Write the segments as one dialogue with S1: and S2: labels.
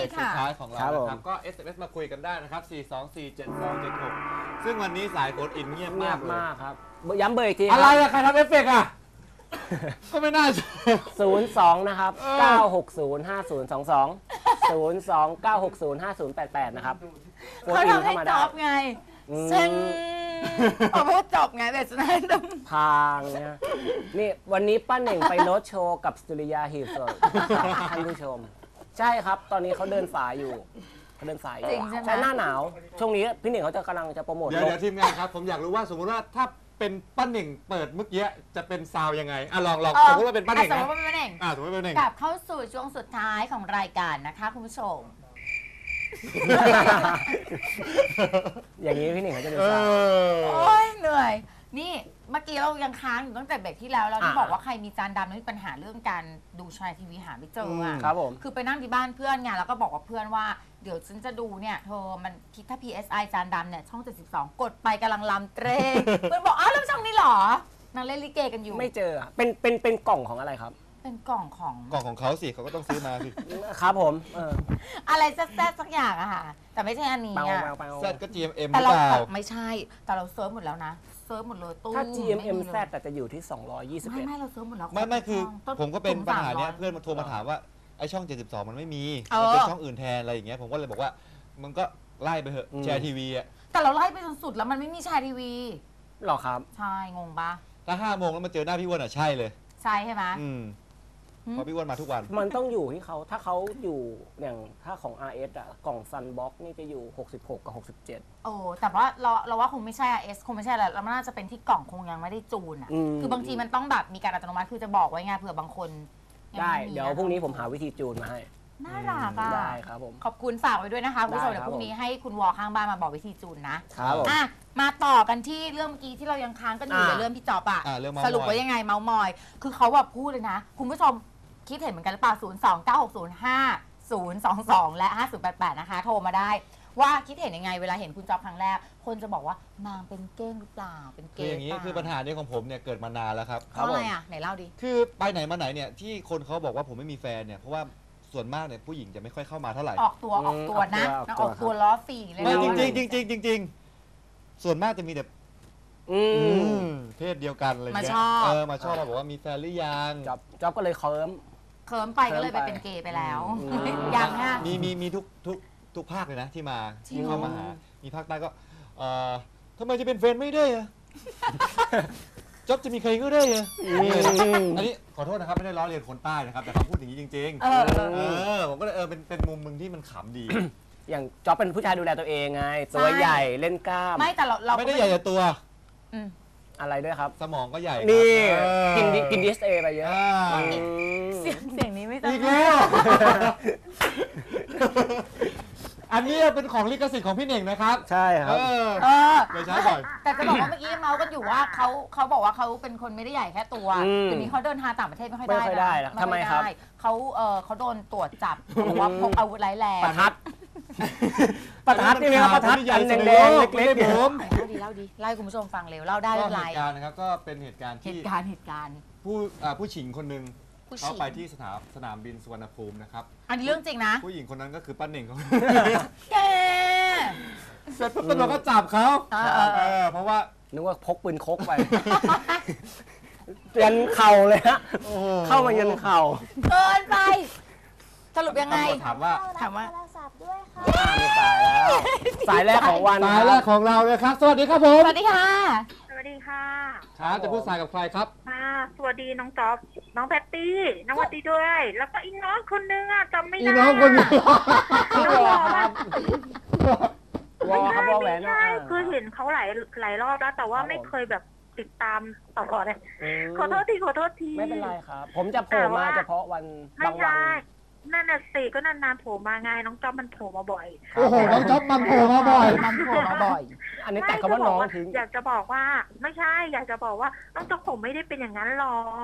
S1: กสุดท้ายของเรานะครับก็ SMS มาคุยกันได้นะครับ4247276ซึ่งวันนี้สายโฟนอินเงียบมากเลย
S2: ครับย้ำเบอร์อีกที
S1: อะไรอะใครทำเอฟเฟกต์อะก็ไม่น่า
S2: 02นะครับ9605022 02-960-5088นะครับ
S3: เขาทำให้จบไงซึ่งพอพูดจบไงแต่สุดท้ายต้อง
S2: ทางเนี่ยนี่วันนี้ป้าเหน่งไปโน้ตโชว์กับสุริยาหีบศพท่านผู้ชมใช่ครับตอนนี้เขาเดินสายอยู่เขาเดินสายอยู่ใช่หน้าหนาวช่วงนี้พี่เหน่งเขาจะกำลังจะโปรโมท
S1: เดี๋ยวทีมงานครับผมอยากรู้ว่าสมมติว่าถ้าเป็นป้าเหน่งเปิดเมื่อกี้จะเป็นซาวยังไงลองสมมติว่าเป็นป้าเหน่ง
S3: สมมติว่าเป็นป้าเหน่ง
S1: สมมติว่าเป็นป้าเหน่ง
S3: กลับเข้าสู่ช่วงสุดท้ายของรายการนะคะคุณผู้ชม
S2: อย่างนี้พี่หนิงเขาจะดูซะ
S3: โอ้ยเหนื่อยนี่เมื่อกี้เรายังค้างอยู่ตั้งแต่เบรกที่แล้วเราที่บอกว่าใครมีจานดำแล้วมีปัญหาเรื่องการดูชายทีวีหาไม่เจอ
S2: ครับผม
S3: คือไปนั่งที่บ้านเพื่อนไงแล้วก็บอกกับเพื่อนว่าเดี๋ยวฉันจะดูเนี่ยเธอมันคิดถ้า PSI จานดำเนี่ยช่อง72กดไปกำลังลำเตรงเพื่อนบอกอ้าวแล้วช่องนี้หรอนางเล่นลิเกกันอยู่
S2: ไม่เจอเป็นกล่องของอะไรครับ
S3: เป็นกล่อง
S1: ของเขาสิเขาก็ต้องซื้อมาสิ
S2: ครับผม
S3: อะไรแซ่บสักอย่างอะค่ะแต่ไม่ใช่อันนี้อะ
S1: แซ่บก็ GMM
S3: แต่เราไม่ใช่แต่เราเซิร์ฟหมดแล้วนะเซิร์ฟหมดเลยตู้
S2: ถ้า GMM Z แต่จะอยู่ที่221
S3: ไม่เราเซิร์ฟหมดแล้ว
S1: ไม่คือผมก็เป็นปัญหาเนี้ยเพื่อนมาโทรมาถามว่าไอช่อง72มันไม่มีมันเป็นช่องอื่นแทนอะไรอย่างเงี้ยผมก็เลยบอกว่ามันก็ไล่ไปเถอะแชร์ทีวีอะ
S3: แต่เราไล่ไปจนสุดแล้วมันไม่มีแชร์ทีวี
S2: หรอครับ
S3: ใช่งงปะ
S1: ถ้า5 โมงแล้วมาเจอหน้าพี่อ้วนอะใช่เลย
S3: ใช่ใช่ไหม
S1: เพราะพี่อ้วนมาทุกวัน
S2: มันต้องอยู่ที่เขาถ้าเขาอยู่อย่างถ้าของ RS อ่ะกล่องซันบ็อกนี่จะอยู่66กับ67
S3: โอ้แต่ว่าเราว่าคงไม่ใช่ RS คงไม่ใช่แล้วมันน่าจะเป็นที่กล่องคงยังไม่ได้จูนอ่ะคือบางทีมันต้องแบบมีการอัตโนมัติคือจะบอกไว้ไงเผื่อบางคน
S2: ได้เดี๋ยวพรุ่งนี้ผมหาวิธีจูนมาให้
S3: น่ารักอ่ะ
S2: ได้ครับผม
S3: ขอบคุณฝากไว้ด้วยนะคะคุณผู้ชมเดี๋ยวพรุ่งนี้ให้คุณวอข้างบ้านมาบอกวิธีจูนนะครับ
S2: ผม
S3: มาต่อกันที่เรื่องเมื่อกี้ที่เรายังค้างกันอยู่ในเรื่องพี่จอบอะสรุปว่ายังไงเมาส์มอยคือเขาแบบพูดเลยนะคุณผู้ชมคิดเห็นเหมือนกันหรือเปล่า029605022และ5088นะคะโทรมาได้ว่าคิดเห็นยังไงเวลาเห็นคุณจอบครั้งแรกคนจะบอกว่านางเป็นเก้งหรือเปล่าเป็นเก้ง
S1: อย่างนี้คือปัญหานี้ของผมเนี่ยเกิดมานานแล้วครับ
S3: เพราะอะไรอ่ะไหนเล่าดิ
S1: คือไปไหนมาไหนเนี่ยที่คนเขาบอกว่าผมไม่มีแฟนเนี่ยเพราะว่าส่วนมากเนี่ยผู้หญิงจะไม่ค่อยเข้ามาเท่าไหร่
S3: ออกตัวนะออกตัวล้อฝีเลย
S1: จริงส่วนมากจะมีแบบเพศเดียวกันเลยเนี่ยมาชอบมาบอกว่ามีแฟนหรือยัง
S2: จ๊อบก็เลยเคิ
S3: ร์มไปก็เลยไปเป็นเกย์ไปแล้วยังฮะ
S1: มีทุกภาคเลยนะที่มาที่เข้ามาหามีภาคใต้ก็ทำไมจะเป็นแฟนไม่ได้อะจ๊อบจะมีใครก็ได้อะอันนี้ขอโทษนะครับไม่ได้ล้อเลียนคนใต้นะครับแต่เขาพูดอย่างนี้จริงๆผมก็เลยเป็นมุมมึงที่มันขำดี
S2: อย่างจ๊อบเป็นผู้ชายดูแลตัวเองไงตัวใหญ่เล่นกล้าม
S3: ไม่แต่เรา
S1: ไม่ได้ใหญ่แต่ตัว
S2: อะไรด้วยครับ
S1: สมองก็ใหญ่
S2: นี่กินดีเอสเอไปเยอะ
S3: เสียงนี้ไม่ต้อง
S1: อีกแล้วอันนี้เป็นของลิขสิทธิ์ของพี่เน่งนะครับ
S2: ใช่ครับ
S1: เลยใช้บ่อย
S3: แต่จะบอกว่าเมื่อกี้เมาส์กันอยู่ว่าเขาบอกว่าเขาเป็นคนไม่ได้ใหญ่แค่ตัวทีนี้เขาเดินทางต่างประเทศไม่ค่อยได้
S2: นะทำไมครับ
S3: เขาโดนตรวจจับบอกว่าพกอาวุธร้ายแรง
S2: ประทัดนี่นะครับประทัดอันแดงๆเล็กๆผม
S3: เล่าดีไล่คุณผู้ชมฟังเร็วเล่าได้
S1: เหตุการณ์นะครับก็เป็นเหตุการณ์ผู้หญิงคนหนึ่งเขาไปที่สนามบินสุวรรณภูมินะครับ
S3: อันนี้เรื่องจริงนะ
S1: ผู้หญิงคนนั้นก็คือป้าเหน่งเขา
S3: แก
S1: เสร็จปุ๊บตำรวจก็จับเขาเพราะว่า
S2: นึกว่าพกปืนคกไปยันเข่าเลยฮะเข้ามายันเข่า
S3: เกินไปสรุปยังไง
S1: ถามว่า
S4: ด้วยค่ะ
S2: มีสายแล้วสายแรกของวัน
S1: สายแรกของเราเลยครับสวัสดีครับผม
S3: สวัสดีค่ะ
S4: สวัสดีค่ะ
S1: ครับจะพูดสายกับใครครับ
S4: สวัสดีน้องจ๊อบน้องแพตตี้น้องวัดดีด้วยแล้วก็อีน้องคนนึงจำไม่ได้
S1: อีน้องคนนึง
S2: พี่วอครับวอครับวอแหวน
S4: คือเห็นเขาหลายรอบแล้วแต่ว่าไม่เคยแบบติดตามต่อเลยขอโทษที
S2: ไม่เป็นไรครับผมจะโผล่มาเฉพาะวันบางวัน
S4: นั่นน่ะสิก็นานๆโผล่มาไงน้องจ๊อบมันโผล่มาบ่อย
S1: โอ้โหน้องจ๊อบมันโผล่มาบ่อย
S2: อันนี้แต่คำว่าน้องทิ้ง
S4: อยากจะบอกว่าไม่ใช่อยากจะบอกว่าน้องจ๊อบผมไม่ได้เป็นอย่างนั้นหรอก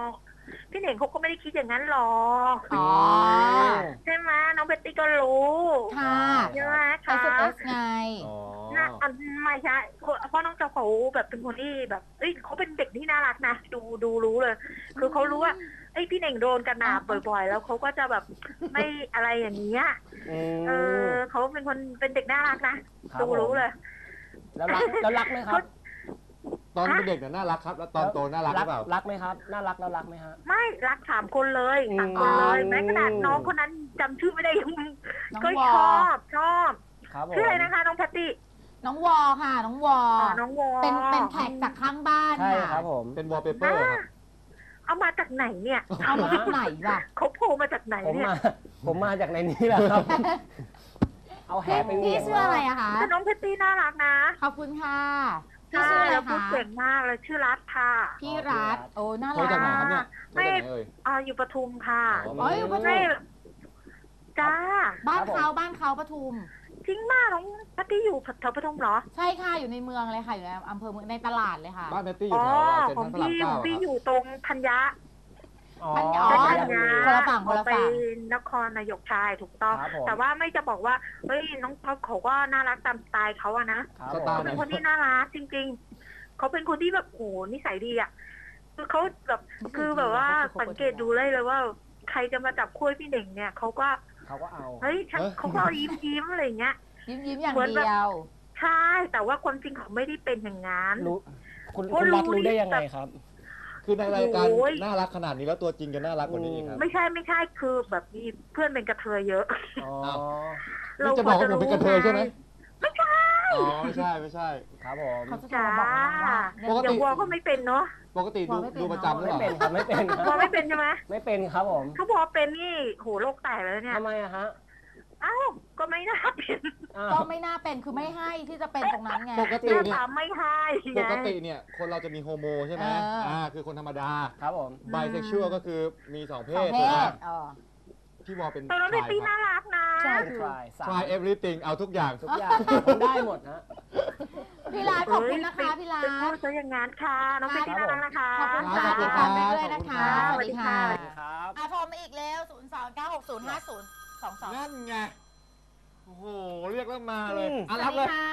S4: พี่เหน่งเขาก็ไม่ได้คิดอย่างนั้นหรอก
S3: อ๋อ
S4: ใช่ไหมน้องเบตตี้ก็รู้
S3: ค่ะ
S4: ใช่ไหม
S3: ไป
S4: คะ
S3: สุดเอสไง
S1: อ๋อ
S4: น่าไม่ใช่เพราะน้องเจ้าเขาแบบเป็นคนที่แบบเอ้ยเขาเป็นเด็กที่น่ารักนะดูรู้เลย คือเขารู้ว่าไอ้ยพี่เหน่งโดนกระหน่ำบ่อยๆ แล้วเขาก็จะแบบไม่อะไรอย่างเงี้ยเขาเป็นคนเป็นเด็กน่ารักนะดูรู้เลย
S2: แล้วรักไหมครับ
S1: ตอนเป็นเด็กเนี่ยน่ารักครับ แล้วตอนโตน่ารักหรือเปล่า
S2: รักไหมครับน่ารักแล้วรักไหมฮะ
S4: ไม่รัก3 คนเลย3 คนเลยแม้ขนาดน้องคนนั้นจำชื่อไม่ได้ยัง
S3: น้อง
S4: ก็
S3: วอ
S4: ชอบ
S2: ครับผม
S4: ชื่ออะไรนะคะน้องแพตตี้
S3: น้องวอค่ะ น้องวอ
S4: น้องวอ
S3: เป็นแขกจากข้างบ้าน
S2: ใช่
S3: ค่ะ
S2: ครับผม
S1: เป็นวอลเปเปอร์ครับ
S4: เอามาจากไหนเนี่ย
S3: เอามาจากไหนวะ
S4: เขาโผล่มาจากไหน
S2: ผม
S4: เนี่ย
S2: มาจากในนี้แหละครับ เอาแหไป
S3: พี่ชื่ออะไรอะคะ
S4: แต่น้องแพตตี้น่ารักนะ
S3: ขอบคุณค่ะ พี่ชื่ออะไร
S4: แล้วพูด
S3: คะ
S4: เก่งมากเลยชื่อรัฐค่ะ
S3: พี่รัฐโอ้ น่า
S1: โทร
S3: รั
S1: จากไหน
S3: ก
S1: ครับเนี่ยโทรจากไหนเอ่ย
S4: อยู่ปทุมค่ะ
S1: อ๋อ
S3: อ๋ออยู่ปทุ
S4: ไม่
S3: ม
S4: จ้า
S3: บ้านเขาปทุม
S4: จริงมากน้องแพตตี้อยู่แถวปทุมเหรอ
S3: ใช่ค่ะ อยู่ในเมืองเลยค่ะ อยู่ในอำเภอเมืองในตลาดเลยค่ะ
S1: บ้านแพตตี้อยู่แถวเซ็น
S4: ของ
S1: ทรัลพระราม
S4: พี่
S1: เก้า
S4: อยู่
S1: ครับ
S4: ตรงธัญญะ
S2: อ๋อ
S3: อ๋อ
S2: ไป
S4: ธัญ
S2: ยา
S4: ญะ
S3: คนละฝั่งคนละ
S4: ไป
S3: ฝั่ง
S4: นครนายกชายถูกต้อง
S2: ครับผม
S4: แต่ว่าไม่จะบอกว่าเฮ้ยน้องท็อปเขาก็น่ารักตามสไตล์เขาอะนะ
S2: ครับ
S1: ส
S2: ผม
S1: ไตล์
S4: เขา
S1: ไหน
S4: เป็นคนที่น่ารักจริงๆ เขาเป็นคนที่แบบโหนิสัยดีอ่ะ คือเขาแบบคือแบบว่าสังเกตดูเลยว่า ใครจะมาจับคู่ให้พี่เน่งเนี่ยเขาก็
S2: เขาก็เอา
S4: เฮ้ยเขาก็ยิ้มอะไรอย่างเงี้ย
S3: ยิ้มอย่าง
S4: เหมือนแบบ
S3: เดียว
S4: ใช่แต่ว่าความจริงเขาไม่ได้เป็นอย่างนั้น
S2: รู้คุณ
S4: ก็รู้
S2: รัฐรู้ได้ยังไงครับ
S1: คือในรายการ
S4: โอ้ย
S1: น่ารักขนาดนี้แล้วตัวจริงจะน่ารักกว่านี้อีกครับ
S4: ไม่ใช่คือแบบมีเพื่อนเป็นกระเทยเยอะ
S2: อ๋อ
S1: นี่จะบอกว่าผมเป็นกระเทยใช่ไหม
S4: ไม่ใช่
S1: อ๋อไม่ใช่
S2: ครับผม
S3: เขาจะโทร
S4: จ้า
S3: มาบอกน้องว่า
S1: ปกติ
S4: อย่างวัวก็ไม่เป็นเนาะ
S1: ปกติดูประจำหรือ
S2: ไม่
S1: เปล่า
S2: เป็นครับไม่เป็นค
S4: วัว
S2: รับ
S4: ไม่เป็นใช่ไหม
S2: ไม่เป็นครับผม
S4: เขาบอกว่าเป็นนี่โหโลกแตกเลยเนี่ย
S2: ทำไมอะฮะ
S4: เอ้าก็ไม่น่าเป็น
S2: อ้าว
S3: ก็ไม่น่าเป็นคือไม่ให้ที่จะเป็นตรงนั้นไง
S1: ปกติ
S4: หน้า
S1: เนี่ย
S4: ตาไม่ให้
S1: ป
S4: ไง
S1: กติเนี่ยคนเราจะมีโฮโมใช่ไหม คือคนธรรมดา
S2: ครับผม
S1: ไบเซ็กชวลก็คือมีสองเพ
S3: สอง
S1: ศ
S3: เพ
S1: ถูกไหม
S3: ศอ๋อ
S1: พี่วอลเป็น
S4: แต่น้อง
S1: ชา
S4: เบ
S1: ย
S4: ตตี้
S1: ครั
S4: น่า
S1: บ
S4: รักนะ
S2: ใช่ทราย
S1: try everything เอาทุกอย่าง
S2: ทุกอย่างผมได้หมดนะ
S3: พี่รัฐขอบคุณนะคะพี่รั
S4: เป็นพู
S3: ฐ
S4: ดซะอย่างนั้นค่ะ น้องเบตตี้น่ารักนะคะ
S3: ขอบคุณค่ะ
S1: ขอบคุณ
S3: ติด
S1: ครั
S3: ตา
S1: บ
S3: มไปด้วยนะคะ
S1: ขอบ
S3: ส
S1: คุณ
S3: วัสดีค่ะ
S4: สวัสดีค่ะ
S2: ครับ
S3: โทรมาอีกแล้ว 029605022
S1: นั่นไง โอ้โห เรียกแล้วมาเลย
S2: อืม
S1: อ่ะ
S3: ส
S1: รั
S3: วั
S1: บ
S3: ส
S1: เล
S3: ดี
S1: ย
S3: ค่ะ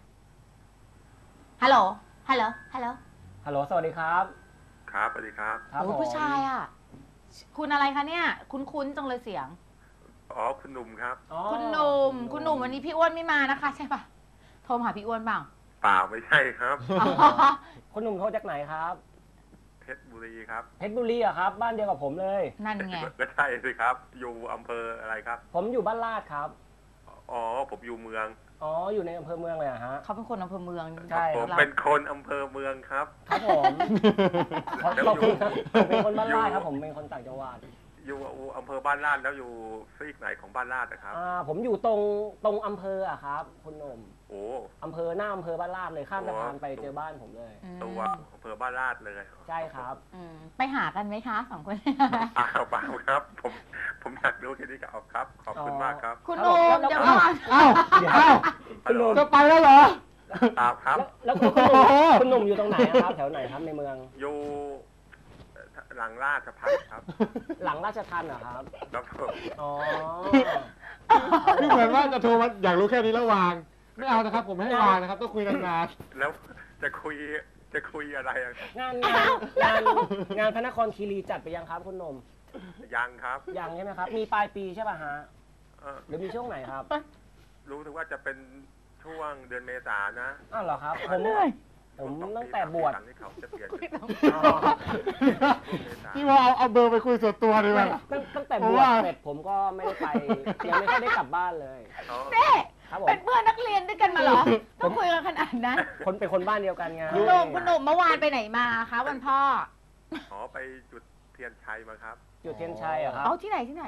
S3: ฮัลโหล ฮัลโหล ฮัลโหล
S2: ฮัลโหลสวัสดีครับ
S5: ครับสวัสดีครับ
S2: ครับ
S3: โอ้
S2: ผม
S3: ผู้ชายอ่ะ คุณอะไรคะเนี่ย คุ้นๆจังเลยเสียง
S5: อ๋อ คุณหนุ่มครับ
S2: อ๋อ
S3: คุณหนุ่ม คุณหนุ่มวันนี้พี่อ้วนไม่มานะคะใช่ปะโทรมาหาพี่อ้วนบ้าง
S5: เปล่าไม่ใช่ครับ
S3: อ๋อ
S2: คุณหนุ่มเขาจากไหนครับ
S5: เพชรบุรีครับ
S2: เพชรบุรีอะครับ บ้านเดียวกับผมเลย
S3: นั่นไง
S5: ก็ใช่สิครับ อยู่อำเภออะไรครับ
S2: ผมอยู่บ้านลาดครับ
S5: อ๋อ ผมอยู่เมือง
S2: อ๋อ อยู่ในอำเภอเมืองเลยอะฮะ
S3: เขาเป็นคนอำเภอเมือง
S2: ใช่
S5: ผม
S3: เรา
S5: เป็นคนอำเภอเมืองครับ
S2: ครับผมขอบคุณครับผมเป็นคนบ้านลาดครับ ผมเป็นคนต่างจังหวัด
S5: อยู่อำเภอบ้านลาดแล้วอยู่ซีกไหนของบ้านลาดนะครับ
S2: ผมอยู่ตรงอำเภออะครับ คุณหนุ่ม
S5: โอ้
S2: อำเภอหน้าอำเภอบ้านลาดเลยข้ามสะพานไป
S5: โอ้
S2: เจอบ้านผมเลย
S3: อืม
S5: ตัวอำเภอบ้านลาดเลย
S2: ใช่ครับ
S3: อืมไปหากันไหมคะสองคน
S5: อ้าวเปล่าครับ ผมอยากรู้แค่นี้ก็เอาครับ ขอบคุณมากครับ
S3: คุณหนุ่ม
S2: แล้ว
S3: เดี๋ยว
S2: แล้ว
S3: ก่อน
S1: อ้าวอ้าว
S2: คุณหนุ่ม
S1: จะไปแล้วเหรอ
S5: ครับ
S2: แล้วคุณหนุ่มคุณหนุ่มอยู่ตรงไหนอะครับ แถวไหนครับในเมือง
S5: อยู่หลังราชพัฒครับ
S2: หลังราชทัณฑ์เหรอครับ
S5: แล้วผม
S2: อ๋อ
S1: คือเหมือนว่าจะโทรมาอยากรู้แค่นี้แล้ววาง ไม่เอานะครับ ผมไม่ให้วางนะครับ ต้องคุยนาน
S5: แล้วจะคุยอะไรอะ
S2: งานพระนครคีรีจัดไปยังครับคุณหนุ่ม
S5: ยังครับ
S2: ยังใช่ไหมครับ มีปลายปีใช่ป่ะฮะ
S5: เอ่อ
S2: หรือมีช่วงไหนครับ
S5: รู้ถึงว่าจะเป็นช่วงเดือนเมษายนนะ
S2: อ้าวเหรอครับ ผมตั้งแต่บวช
S5: ช่งที่เขาจะเปลี่ยน
S2: อ๋อ
S1: ๆพี่ว่าเอาเบอร์ไปคุยส่วนตัวดีกว่า
S2: ตั้งแต่
S1: เพ
S2: บ
S1: ราะ
S2: วช
S1: ว่า
S2: เสร็จผมก็ไม่ได้ไปยังไม่ค่อยได้กลับบ้านเลย
S5: อ๋อ
S3: เน่
S2: ครับผม
S3: เป็นเพื่อนนักเรียนด้วยกันมาเหรอ ต้องคุยกันขนาดนั้น
S2: เป็นคนบ้านเดียวกันไง
S3: คุณหนุ่มคุณหนุ่มเมื่อวานไปไหนมาคะวันพ่อ
S5: อ๋อไปจุดเทียนชัยมาครับ
S2: จุดเทียนชัยเหรอครับ
S3: เอาที่ไหนที่ไหน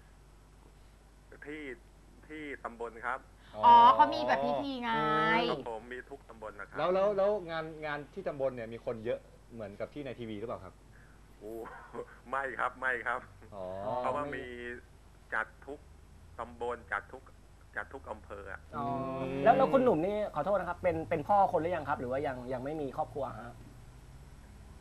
S5: ที่ตำบลครับ
S3: อ๋อเขามีแบบพิธีไง
S5: ครับผมมีทุกตำบลนะครับ
S1: แล้วงานที่ตำบลเนี่ยมีคนเยอะเหมือนกับที่ในทีวีหรือเปล่าครับ
S5: โอ้ไม่ครับ
S1: อ๋อ
S5: เพราะว่ามีจัดทุกตำบลจัดทุกอำเภออะ
S2: อ๋อแล้วคุณหนุ่มนี่ขอโทษนะครับ เป็นพ่อคนหรือยังครับ หรือว่ายังไม่มีครอบครัวฮะ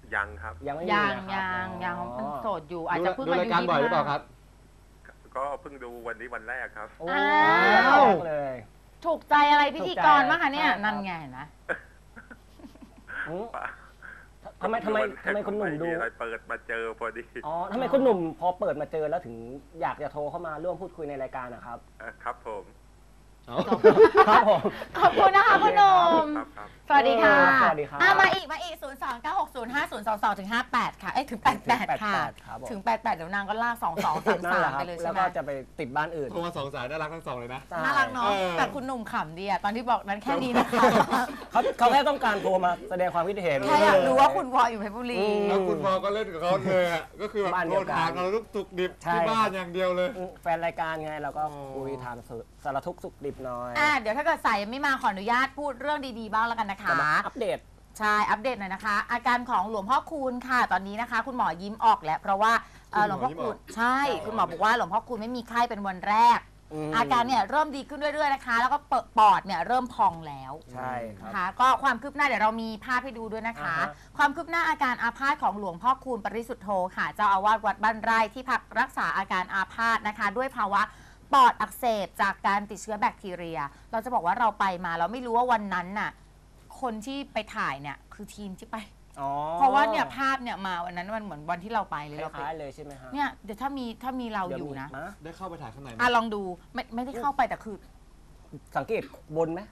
S5: ยังครับ
S2: ยังไม่มี
S3: ยัง
S2: นะครับ
S3: ยัง
S2: อ๋อ
S3: เป็นโสดอยู่อาจจะเพิ่ง
S1: ดู
S3: อา
S1: รา
S3: ยุ
S1: ยการบ่อยหรือเปล่า
S3: 25
S1: ครับ
S5: ก็เพิ่งดูวันนี้วันแรกครับ
S2: โอ้
S3: อ้าว
S2: เลย
S3: ถูกใจอะไรพิธีกรมากคะเนี่ย
S2: ถูกใจ
S3: นั่นไงเห็นไหม
S2: อืมทำไมคุณหนุ่มดู
S5: ไอะไรเปิดมาเจอพอดี
S2: อ๋อทำไมคุณหนุ่มพอเปิดมาเจอแล้วถึงอยากจะโทรเข้ามาร่วมพูดคุยในรายการนะครับ
S5: ครับผม
S2: ครับผม
S3: ขอบคุณนะคะคุณหนุ่ม
S5: ครับ
S3: สวัสดีค่ะ
S2: สวัสดีครับ
S3: มาอีก 0 2 9 6 0 5 0 2 2ถึง58 ค่ะ ถึง 88 ค่ะ
S2: ครับผม
S3: ถึง 88 เดี๋ยวนางก็ลาก 2 2
S2: นั่นแหละ
S3: 3 3
S2: ครั
S3: ไป
S2: บ
S3: เลย
S2: แล้
S3: ใช่
S2: ว
S3: ไหม
S2: ก็จะไปติดบ้านอื่น
S1: โทรมา2 สายน่ารักทั้ง2เลยนะ
S3: น่ารักเนาะ
S1: เออ
S3: แต่คุณหนุ่มขำดีอะตอนที่บอกนั้นแค่นี้นะคะ
S2: เขาแค่ต้องการโทรมาแสดงความคิดเห็น
S3: แค่อยากรู้ว่าคุณวออยู่เพชรบุรี
S1: แล้วคุณพอก็เล่นกับเขาเลยอะก็คือแบบ
S2: บ้านเดี
S1: โท
S2: ยว
S1: ร
S2: กัน
S1: ถามเราทุกตุกดิบ
S2: ใช่
S1: ที่บ้านอย่างเดียวเลย
S2: แฟนรายการไงเราก็
S1: อ๋อ
S2: คุยถามสารทุกข์สุขดิบหน่อย
S3: เดี๋ยวถ้าเกิดสายยังไม่มาขออนุญาตพูดเรื่องดีๆบ้างแล้วกันนะคะ
S2: จะมาอัปเดต
S3: ใช่ อัปเดตหน่อยนะคะ อาการของหลวงพ่อคูณค่ะ ตอนนี้นะคะ คุณหมอยิ้มออกแล้ว เพราะว่าหลวงพ่อคูณใช่ คุณหมอบอกว่าหลวงพ่อคูณไม่มีไข้เป็นวันแรก อาการเนี่ยเริ่มดีขึ้นเรื่อยๆนะคะ แล้วก็ปอดเนี่ยเริ่มพองแล้ว
S2: ใช่ครับ
S3: นะคะก็ความคืบหน้าเดี๋ยวเรามีภาพให้ดูด้วยนะคะ
S2: อ่าฮะ
S3: ความคืบหน้าอาการอาพาธของหลวงพ่อคูณปริสุทธโธค่ะ เจ้าอาวาสวัดบ้านไร่ที่พักรักษาอาการอาพาธนะคะ ด้วยภาวะปอดอักเสบจากการติดเชื้อแบคทีเรีย เราจะบอกว่าเราไปมาเราไม่รู้ว่าวันนั้นน่ะคนที่ไปถ่ายเนี่ยคือทีมที่ไป
S2: อ๋อ
S3: เพราะว่าเนี่ยภาพเนี่ยมาวันนั้นมันเหมือนวันที่เราไปเลย
S2: ค
S3: เราไป
S2: ล้ายๆเลยใช่ไหมฮะ
S3: เนี่ยเดี๋ยวถ้ามีเรา
S2: เดี๋ว
S3: อยู่
S2: มี
S3: นะ
S1: ได้เข้าไปถ่ายข้างในไหม
S3: ลองดูไม่ได้เข้าไปแต่คือ
S2: สังเกตบนไหม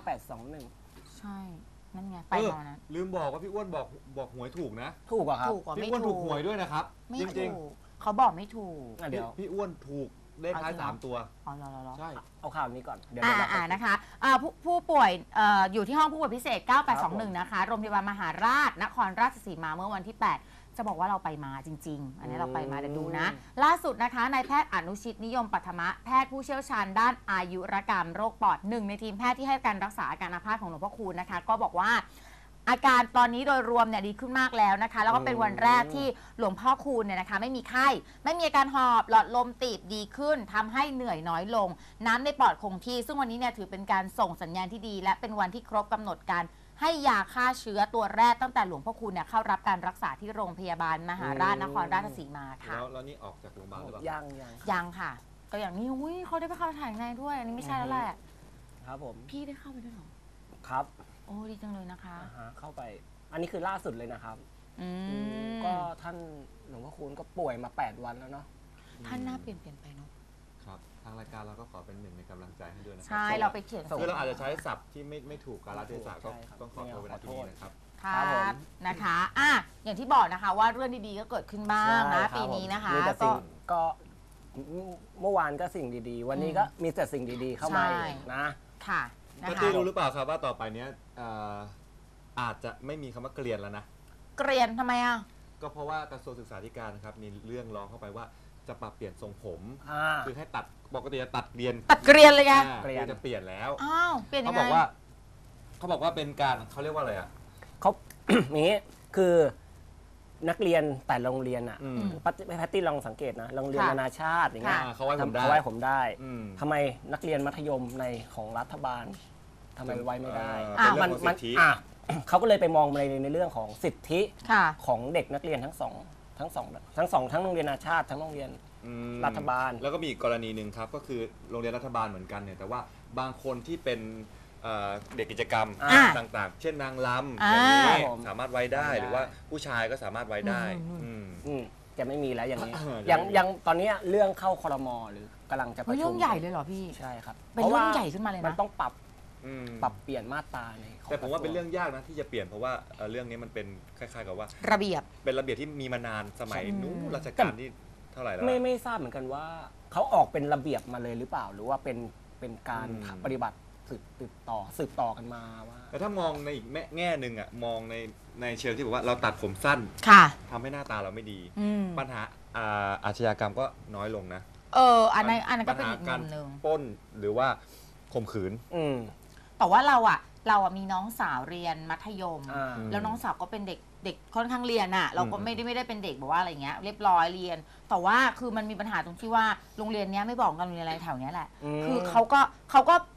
S2: 9821
S3: ใช่นั่นไงไปมาวันนั้น
S1: ลืมบอกว่าพี่อ้วนบอกหวยถูกนะ
S2: ถูกเหรอครับ
S3: ถูกกว่า
S1: พี่
S3: ไม่
S1: อ้วน
S3: ถู
S1: ถู
S3: ก
S1: กหวยด้วยนะครับ
S3: ไม่
S1: จริง
S3: ถูกเขาบอกไม่ถูก
S2: เดี๋ยว
S1: พี่อ้วนถูกเลขท้าย
S3: เอาจริงเหรอ
S1: 3 ตัว
S3: อ๋อเหรอ
S1: ใช่
S2: เอาข่าวนี้ก่อนเดี๋ยว
S3: นะคะผู้ป่วยอยู่ที่ห้องผู้ป่วยพิเศษ 9821 นะคะ โรงพยาบาลมหาราช นครราชสีมาเมื่อวันที่ 8 จะบอกว่าเราไปมาจริง ๆ อันนี้เราไปมาเดี๋ยวดูนะ ล่าสุดนะคะนายแพทย์อนุชิตนิยมปัทมะแพทย์ผู้เชี่ยวชาญด้านอายุรกรรมโรคปอดหนึ่งในทีมแพทย์ที่ให้การรักษาอาการอาพาธของหลวงพ่อคูณนะคะ ก็บอกว่า อาการตอนนี้โดยรวมเนี่ยดีขึ้นมากแล้วนะคะ แล้วก็เป็นวันแรกที่หลวงพ่อคูณเนี่ยนะคะไม่มีไข้ไม่มีอาการหอบหลอดลมตีบดีขึ้นทำให้เหนื่อยน้อยลง น้ำในปอดคงที่ ซึ่งวันนี้เนี่ยถือเป็นการส่งสัญญาณที่ดี และเป็นวันที่ครบกำหนดการให้ยาฆ่าเชื้อตัวแรกตั้งแต่หลวงพ่อคูณเนี่ยเข้ารับการรักษาที่โรงพยาบาลมหาราชนครราชสีมาค่ะ
S1: แล้วนี่ออกจากโรงพยาบาลหรือเปล่า
S3: ยังค่ะ ก็อย่างนี้อุ้ยเขาได้ไปเข้าถ่ายในด้วย อันนี้ไม่ใช่แล้วแหละ
S2: ครับผม
S3: พี่ได้เข้าไปด้วยเหรอ
S2: ครับ
S3: โอ้ดีจังเลยนะคะ
S2: เข้าไป อันนี้คือล่าสุดเลยนะครับ
S3: อืม
S2: ก็ท่านหลวงพ่อคูณก็ป่วยมา8 วันแล้วเนาะ
S3: ท่านหน้าเปลี่ยนไปเนาะ
S1: ครับทางรายการเราก็ขอเป็นหนึ่งในกำลังใจให้ด้วยนะครั
S3: ใช่เราไปเขียน
S1: คือเราอาจจะใช้ศัพท์ที่ไม่ถูกกาลเทศะก็
S2: ใช่ครับ
S1: ต้องขอโทษในที่นี้นะครับ
S3: ค่ะ
S2: ครับผม
S3: นะคะอย่างที่บอกนะคะว่าเรื่องดีๆก็เกิดขึ้นบ้างนะ
S2: ใช่ครับ
S3: ปีนี้นะคะ
S2: มีแต่
S3: ก็
S2: สิ่งก็เมื่อวานก็สิ่งดีๆ วันนี้ก็มีแต่สิ่งดีๆเข้ามา
S3: ใช่
S2: อีกนะ
S3: ค่ะนะ
S1: ก็
S3: คะ
S1: ที่รู้หรือเปล่าครับว่าต่อไปเนี้ยอาจจะไม่มีคำว่าเกลียนแล้วนะ
S3: เกรียนทำไมอ่ะ
S1: ก็เพราะว่ากระทรวงศึกษาธิการนะครับมีเรื่องร้องเข้าไปว่าจะปรับเปลี่ยนทรงผม คือให้ตัดปกติจะตัดเกลียน
S3: ตัดเกรียนเลยไง
S2: เกลียน
S1: คือจะเปลี่ยนแล้ว
S3: อ้าวเปลี่ยนยั
S1: เขา
S3: งไง
S1: บอกว่าเป็นการเขาเรียกว่าอะไรอ่ะ
S2: เขา นี้คือนักเรียนแต่โรงเรียนอ่ะ
S1: อืม
S2: แพตตี้ลองสังเกตนะโรงเรียน
S3: ค่ะ
S2: นานาชาติอย่างเงี้ย
S1: เขาไว้ผมได้
S2: เขาไว้ผมได้
S1: อืม
S2: ทำไมนักเรียนมัธยมในของรัฐบาลทำไมไว้ไม่ได้
S1: เป็นเรื่องของสิทธิ
S2: เขาก็เลยไปมองในเรื่องของสิทธิ
S3: ค่ะ
S2: ของเด็กนักเรียนทั้งโรงเรียนนานาชาติทั้งโรงเรียน
S1: อืม
S2: รัฐบาล
S1: แล้วก็มีอีกกรณีหนึ่งครับก็คือโรงเรียนรัฐบาลเหมือนกันเนี่ยแต่ว่าบางคนที่เป็นเด็กกิจกรรม
S3: อ่า
S1: ต่างๆ เช่นนางรำ
S3: อ่า
S1: อย่างนี้
S2: ครับผม
S1: สามารถไว้ได้
S2: ไว้ได้
S1: หรือว่าผู้ชายก็สามารถไว้ได้
S3: อืม
S1: อืม
S2: จะไม่มีแล้วอย่างนี้
S1: ยั
S2: ยังตอนนี้เรื่องเข้าครมหรือกำลังจะประ
S3: เฮ้ย
S2: ชุ
S3: เรื่
S2: ม
S3: องใหญ่เลยเหรอพี่
S2: ใช่ครับ
S3: เป็นเรื่องใหญ่ขึ้นมาเลย
S2: มัน
S3: นะ
S2: ต้องปรับ
S1: อืม
S2: เปลี่ยนมาตราในของ
S1: แต่ผมว่าเป็น
S2: กะท
S1: เรื่องยากนะที่จะเปลี่ยนเพราะว่าเรื่องนี้มันเป็นคล้ายๆกับว่า
S3: ระเบียบ
S1: เป็นระเบียบที่มีมานานสมัย
S3: ใช่
S1: นู้นรัชกาลที่เท่าไหร่แล้ว
S2: ไม่ทราบเหมือนกันว่าเขาออกเป็นระเบียบมาเลยหรือเปล่า หรือว่าเป็นการ
S1: อืม
S2: ปฏิบัติสืบต่อกันมาว่า
S1: แต่ถ้ามองในอีกแง่หนึ่งอ่ะมองในเชิงที่บอกว่าเราตัดผมสั้น
S3: ค่ะ
S1: ทำให้หน้าตาเราไม่ดี
S3: อืม
S1: ปัญหาอาชญากรรมก็น้อยลงนะ
S3: อันนั้นก็เป็นอีก
S1: ปัญ
S3: มุ
S1: หาม
S3: หนึ่ง
S1: ปล้นหรือว่าข่มขืน
S3: แต่ว่าเราอะมีน้องสาวเรียนมัธยม
S2: อ่า
S3: แล้วน้องสาวก็เป็นเด็กค่อนข้างเรียนอะเราก็ไม่ได้เป็นเด็กแบบว่าอะไรเงี้ยเรียบร้อยเรียน แต่ว่าคือมันมีปัญหาตรงที่ว่าโรงเรียนเนี้ยไม่บอกกันโรงเรียนอะไรแถวเนี้ยแหละ คือเขาก็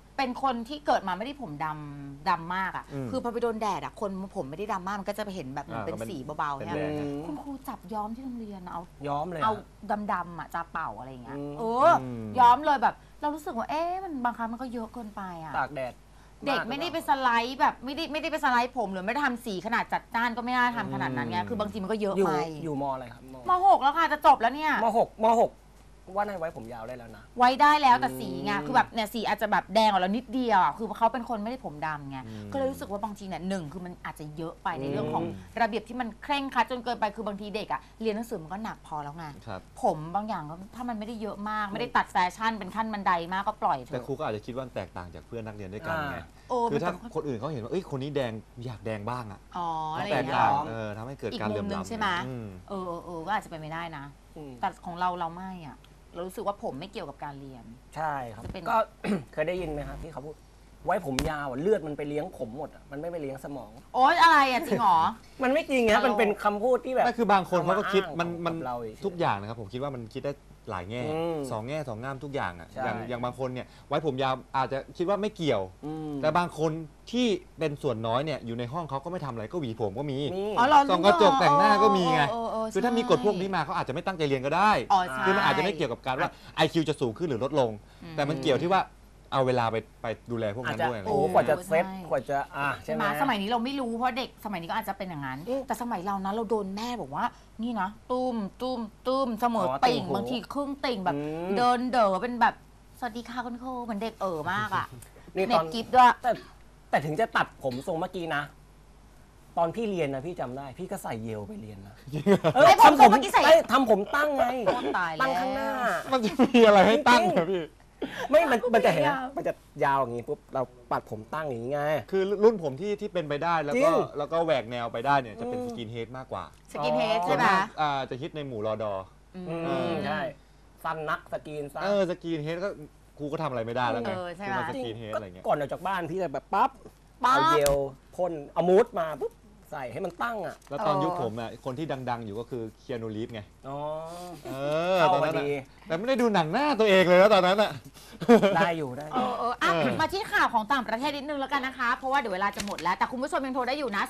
S3: เป็นคนที่เกิดมาไม่ได้ผมดำมากอ่ะคือพอไปโดนแดดอ่ะคนผมไม่ได้ดำมากมันก็จะไปเห็นแบบมันเป็นสีเบาๆเนี่ยคุณครูจับย้อมที่โรงเรียนเอา
S2: ย้อมเลย
S3: เอาดำๆอ่ะจะเป่าอะไรอย่างเงี้ยย้อมเลยแบบเรารู้สึกว่ามันบางครั้งมันก็เยอะเกินไปอ่ะ
S2: ตากแดด
S3: เด็กไม่ได้ไปสไลด์แบบไม่ได้ไปสไลด์ผมหรือไม่ได้ทำสีขนาดจัดจ้านก็ไม่น่าทำขนาดนั้นไงคือบางทีมันก็เยอะไป
S2: อยู่มอะไรครับ
S3: ม.6 แล้วค่ะจะจบแล้วเนี่ย
S2: ม.6ว่าในไว้ผมยาวได้แล้วนะ
S3: ไว้ได้แล้วแต่สีไงคือแบบเนี่ยสีอาจจะแบบแดงออกแล้วนิดเดียวอ่ะคือเขาเป็นคนไม่ได้ผมดำไงก็เลยรู้สึกว่าบางทีเนี่ย1คือมันอาจจะเยอะไปในเรื่องของระเบียบที่มันเคร่งครัดจนเกินไปคือบางทีเด็กอ่ะเรียนหนังสือมันก็หนักพอแล้วไงผมบางอย่างก็ถ้ามันไม่ได้เยอะมากไม่ได้ตัดแฟชั่นเป็นขั้นบันไดมากก็ปล่อยเถอะ
S1: แต่ครูก็อาจจะคิดว่าแตกต่างจากเพื่อนนักเรียนด้วยกันไงคือถ้าคนอื่นเขาเห็นว่าคนนี้แดงอยากแดงบ้างอ่ะ
S3: อะไรอย่างเงี้ย
S1: ทำให้เกิดการเหลื่อมล้ำ
S3: ใช่ไหมก็อาจจะเป็นไม่ได้นะแต่ของเราไม่อ่ะเรารู้สึกว่าผมไม่เกี่ยวกับการเรียน
S2: ใช่ครับก็ เคยได้ยินไหมครับที่เขาพูดไว้ผมยาวเลือดมันไปเลี้ยงผมหมดมันไม่ไปเลี้ยงสมอง
S3: โอ๊ยอะไรอ่ะจริงหรอ
S2: มันไม่จริงนะมันเป็นคำพูดที่แบบ
S1: ไม่คือบางคนเขาก็คิดมันทุกอย่างนะครับผมคิดว่ามันคิดได้หลายแง่2 แง่ 2 งามทุกอย่างอ่ะอย่างบางคนเนี่ยไว้ผมยาวอาจจะคิดว่าไม่เกี่ยวแต่บางคนที่เป็นส่วนน้อยเนี่ยอยู่ในห้องเขาก็ไม่ทำอะไรก็หวีผมก็มีส่องกระจกแต่งหน้าก็มีไงคือถ้ามีกฎพวกนี้มาเขาอาจจะไม่ตั้งใจเรียนก็ได้คือมันอาจจะไม่เกี่ยวกับการว่า IQ จะสูงขึ้นหรือลดลงแต่มันเกี่ยวที่ว่าเอาเวลาไปดูแลพวกนั้นด้วย
S2: กว่าจะเซ็ตกว่าจะ
S3: ใช่ไหมสมัยนี้เราไม่รู้เพราะเด็กสมัยนี้ก็อาจจะเป็นอย่างนั้นแต่สมัยเรานะเราโดนแม่บอกว่านี่นะตุ้มเสมอติ่งบางทีครึ่งติ่งแบบเดินเด๋อเป็นแบบสวัสดีค่ะคุณครูเหมือนเด็กมากอ่ะเน็ตกิฟต์ด้วย
S2: แต่ถึงจะตัดผมทรงเมื่อกี้นะตอนพี่เรียนนะพี่จำได้พี่ก็ใส่เยลไปเรียนนะ
S3: ทำผมเมื่อกี้ใส่
S2: ทำผมตั้งไง
S3: ตั้
S2: งข้างหน้า
S1: มันจะมีอะไรให้ตั้งเหรอพี่
S2: ไม่มันจะเห็นมันจะยาวอย่างนี้ปุ๊บเราปัดผมตั้งอย่างนี้ไง
S1: คือรุ่นผมที่เป็นไปได้แล้วก็แหวกแนวไปได้เนี่ยจะเป็นสกินเฮดมากกว่า
S3: สกินเฮดใช่ไหม
S1: จะฮิตในหมู่รอดอ
S2: ใช่สั้นนักสกินสั้น
S1: สกินเฮดก็ครูก็ทำอะไรไม่ได้แล้วไง
S3: ใช่ไหม
S1: สกินเฮดอะไรเงี้ย
S2: ก่อนออกจากบ้านพี่จะแบบปั๊บเอาเจลพ่นเอามูสมาปุ๊บใส่ให้มันตั้งอ่ะ
S1: แล้วตอนยุคผมอ่ะคนที่ดังๆอยู่ก็คือเคียนูรีฟไงตอนนั้นแต่ไม่ได้ดูหนังหน้าตัวเองเลยแล้วตอนนั้นอ่ะ
S2: ได้อยู่
S3: มาที่ข่าวของต่างประเทศนิดนึงแล้วกันนะคะเพราะว่าเดี๋ยวเวลาจะหมดแล้วแต่คุณผู้ชมยังโทรได้อยู่นะ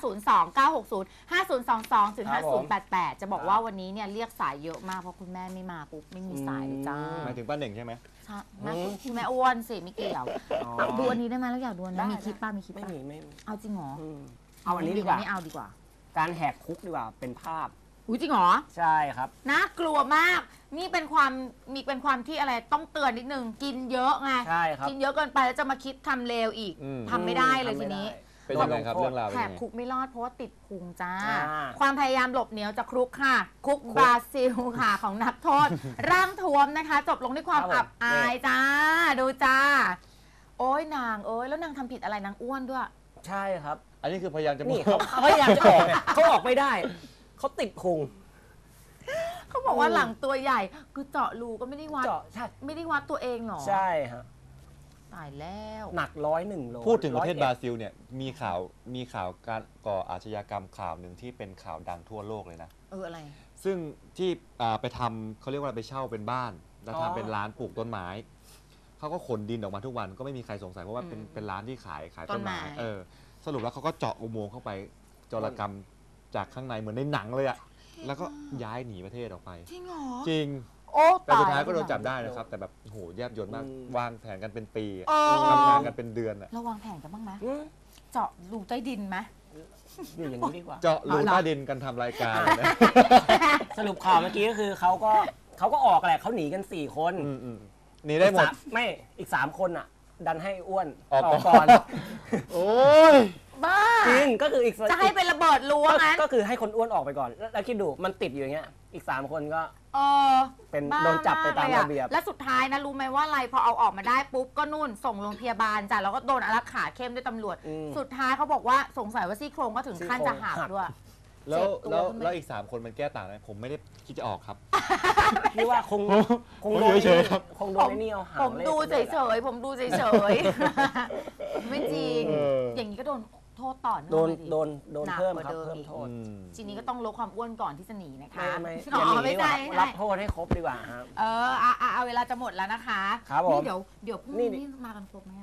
S3: 029605022-5088จะบอกว่าวันนี้เนี่ยเรียกสายเยอะมากเพราะคุณแม่ไม่มาปุ๊บไม่มีสายเลยจ้า
S1: หมายถึงป้าเหน่งใช่ไหม
S3: ใช่คุณแม่อ้วนสิไม่เกี่ยวดูอันนี้ได้ไหมแล้วอยากดูนะมีคลิปป้ามีคลิป
S2: ไม่
S3: เอาจริงเหรอ
S2: เอาอันนี้ดีกว่า
S3: ไม่เอาดีกว่า
S2: การแหกคุกดีกว่าเป็นภาพ
S3: อุ้ยจริงเหรอ
S2: ใช่ครับ
S3: น่ากลัวมากนี่เป็นความที่อะไรต้องเตือนนิดนึงกินเยอะไง
S2: ใช่ครับ
S3: กินเยอะเกินไปแล้วจะมาคิดทำเลวอีกทำไม่ได้เลยทีนี้
S1: เป็นยังไงครับเรื่องราว
S3: แหกคุกไม่รอดเพราะว่าติดพุงจ้าความพยายามหลบหนีจากคุกค่ะคุกบราซิลค่ะของนักโทษร่างทวมนะคะจบลงด้วยความอับอายจ้าดูจ้าโอ้ยนางแล้วนางทำผิดอะไรนางอ้วนด้วย
S2: ใช่ครับ
S1: อันนี้คือพยายามจะ
S2: นี่เขาพยายามจะออกเขาออกไม่ได้เขาติดพุง
S3: เขาบอกว่าหลังตัวใหญ่คือเจาะรูก็ไม่ได้วัด
S2: ใช่
S3: ไม่ได้วัดตัวเองหรอ
S2: ใช่ฮะ
S3: ตายแล้ว
S2: หนัก101 โล
S1: พูดถึงประเทศบราซิลเนี่ยมีข่าวการก่ออาชญากรรมข่าวหนึ่งที่เป็นข่าวดังทั่วโลกเลยนะ
S3: อะไร
S1: ซึ่งที่ไปทำเขาเรียกว่าไปเช่าเป็นบ้านแล้วทำเป็นร้านปลูกต้นไม้เขาก็ขนดินออกมาทุกวันก็ไม่มีใครสงสัยเพราะว่าเป็นร้านที่ขายต้นไม้สรุปแล้วเขาก็เจาะอุโมงค์เข้าไปโจรกรรมจากข้างในเหมือนในหนังเลยอะแล้วก็ย้ายหนีประเทศออกไป
S3: จริงเหรอ
S1: จริงแต่สุดท้ายก็โดนจับได้นะครับแต่แบบโหแยบยลมากวางแผนกันเป็นปีทำงานกันเป็นเดือนอะ
S3: เราวางแผนกันบ้างไหมเจาะรูใต้ดินไหม
S2: อยู่อย่างนี้ดีกว่า
S1: เจาะรูใต้ดินกันทำรายการ
S2: สรุปข่าวเมื่อกี้ก็คือเขาก็ออกแหละเขาหนีกัน4 คน
S1: หนีได้หมด
S2: ไม่อีก3 คนอ่ะดันให้อ้วนออกก่อน
S1: โอ้ย
S3: บ้า
S2: จริงก็คืออีก
S3: จะให้เป็นระเบิดรั้วงั้น
S2: ก็คือให้คนอ้วนออกไปก่อนแล้วคิดดูมันติดอยู่อย่างเงี้ยอีก3 คนก็เป็นโดนจับไปตามระเบียบ
S3: และสุดท้ายนะรู้ไหมว่าอะไรพอเอาออกมาได้ปุ๊บก็นู่นส่งโรงพยาบาลจ้ะแล้วก็โดนอารักขาเข้มด้วยตำรวจสุดท้ายเขาบอกว่าสงสัยว่าซี่โครงก็ถึงขั้นจะหักด้วย
S1: แล้วอีก3 คนมันแก้ต่างไหมผมไม่ได้คิดจะออกครับ
S2: พี่ว่าคงโดน
S1: เฉยครับ
S2: คงโดนไอ้นี่เอาหาง
S3: ผมดูเฉยๆผมดูเฉยๆไม่จริงอย่างนี้ก็โดนโทษต่อ
S2: โดนเพิ่มครับเพิ่มโทษ
S3: ทีนี้ก็ต้องลดความอ้วนก่อนที่จะหนีนะคะ
S2: ไม่ใช่รับโทษให้ครบดีกว่าครับ
S3: เอาเวลาจะหมดแล้วนะคะ
S2: ครับผม
S3: เดี๋ยวพรุ่งนี้มากันครบไหม
S2: พ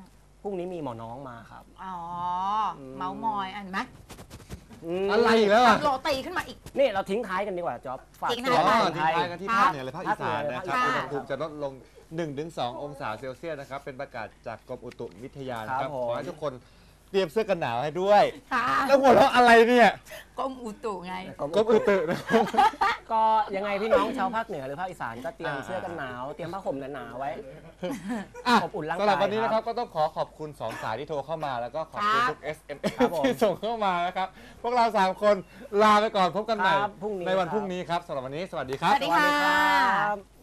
S2: รุ่งนี้มีหมอน้องมาครับ
S3: อ๋อ เมาส์มอยอันไหม
S1: อะไรอีกแล้วอ่ะ
S3: โรตีขึ้นมาอีก
S2: นี่เราทิ้งท้ายกันดีกว่าจ๊อบฝาก
S3: ทิ้ง
S2: ตั
S3: ท้
S2: ว
S3: ย
S1: อ๋อ
S2: คน
S1: ทิ้
S2: ไท
S1: ง
S2: ย
S1: ท้ายกันที่ภาคเหนือและภาคอีสานนะครับ
S2: ภาค
S1: อุ
S2: เหนื
S1: ณ
S2: อ
S1: หภูมิจะลดลง 1-2 องศาเซลเซียสนะครับ เป็นประกาศจากกรมอุตุวิทยานะครับ
S2: ครับผม
S1: ขอให้ทุกคนเตรียมเสื้อกันหนาวให้ด้วย
S3: ค่ะ
S1: แล้วหัวเราะอะไรเนี่ย
S3: กรมอุตุไง
S1: กรมอุตุนะ
S2: ก็ยังไงพี่น้องชาวภาคเหนือหรือภาคอีสานก็เตรียมเสื้อกันหนาวเตรียมผ้าห่มหนาๆไว้
S1: อ่ะ
S2: อบอุ่นร่างกาย
S1: สำหรับวันนี้นะค
S2: ครั
S1: รับบ ก็ต้องขอบคุณ2 สายที่โทรเข้ามาแล้วก็ขอบคุณ
S3: ครับ
S1: ทุก SMS
S2: ครับผม
S1: ที่ส่งเข้ามานะครับ พวกเรา 3 คนลาไปก่อนพบกันใหม่
S2: ครับพรุ่งนี้
S1: ในวัน
S2: ครับ
S1: พรุ่งนี้ครับสำหรับวันนี้สวัสดีครับ
S3: สวัสดีค่ะ
S2: ครับ